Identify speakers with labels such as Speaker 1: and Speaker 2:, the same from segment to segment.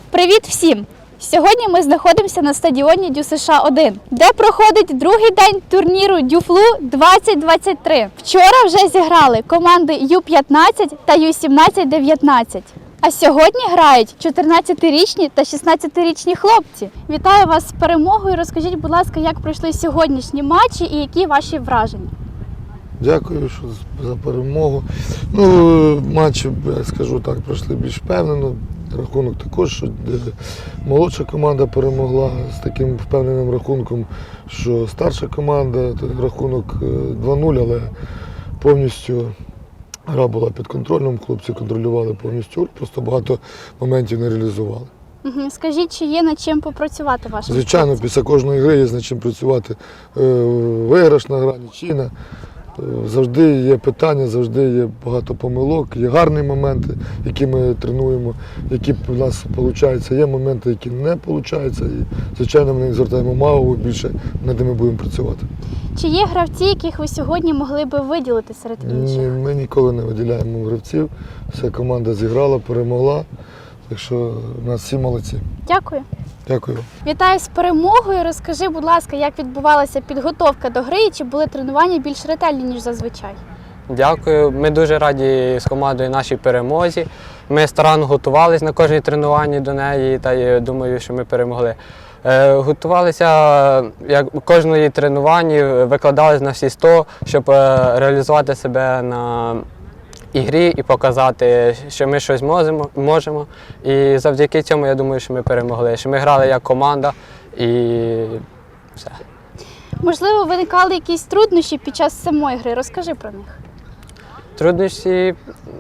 Speaker 1: Привіт всім! Сьогодні ми знаходимося на стадіоні ДЮСШ-1, де проходить другий день турніру Дюфлу 2023. Вчора вже зіграли команди Ю-15 та Ю-17-19. А сьогодні грають 14-річні та 16-річні хлопці. Вітаю вас з перемогою. Розкажіть, будь ласка, як пройшли сьогоднішні матчі і які ваші враження?
Speaker 2: Дякую за перемогу. Матчі, я скажу так, пройшли більш впевнено. Рахунок також, що молодша команда перемогла з таким впевненим рахунком, що старша команда, рахунок 2-0, але повністю гра була під контролем, хлопці контролювали повністю, просто багато моментів не реалізували.
Speaker 1: Скажіть, чи є над чим попрацювати вашим?
Speaker 2: Звичайно, після кожної гри є над чим працювати. Виграшна гра, нічийна. Завжди є питання, завжди є багато помилок, є гарні моменти, які ми тренуємо, які в нас виходять, є моменти, які не виходять. І, звичайно, ми не звертаємо увагу, більше над ними будемо працювати.
Speaker 1: Чи є гравці, яких ви сьогодні могли би виділити серед інших?
Speaker 2: Ні, ми ніколи не виділяємо гравців. Вся команда зіграла, перемогла, так що у нас всі молодці.
Speaker 1: Дякую.
Speaker 2: Дякую.
Speaker 1: Вітаю з перемогою. Розкажи, будь ласка, як відбувалася підготовка до гри і чи були тренування більш ретельні, ніж зазвичай?
Speaker 3: Дякую. Ми дуже раді з командою нашій перемозі. Ми старанно готувалися на кожній тренуванні до неї, та я думаю, що ми перемогли. Готувалися як кожної тренуванні, викладалися на всі 100, щоб реалізувати себе на ігрі і показати, що ми щось можемо. І завдяки цьому, я думаю, що ми перемогли, що ми грали як команда і все.
Speaker 1: Можливо, виникали якісь труднощі під час самої гри. Розкажи про них.
Speaker 3: Труднощі,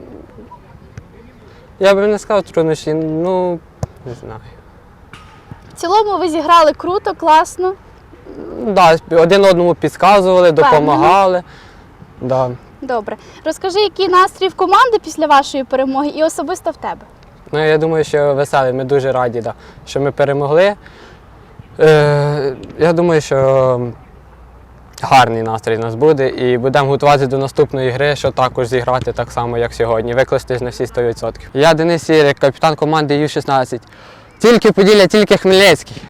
Speaker 3: я би не сказав труднощі, не знаю.
Speaker 1: В цілому ви зіграли круто, класно.
Speaker 3: Да, один одному підказували, допомагали. Да.
Speaker 1: Добре. Розкажи, який настрій в команди після вашої перемоги і особисто в тебе?
Speaker 3: Я думаю, що веселий, ми дуже раді, що ми перемогли. Я думаю, що гарний настрій у нас буде і будемо готуватися до наступної гри, що також зіграти так само, як сьогодні, викластись на всі 100%. Я Денис Сірик, капітан команди Ю-16. Тільки Поділля, тільки Хмельницький.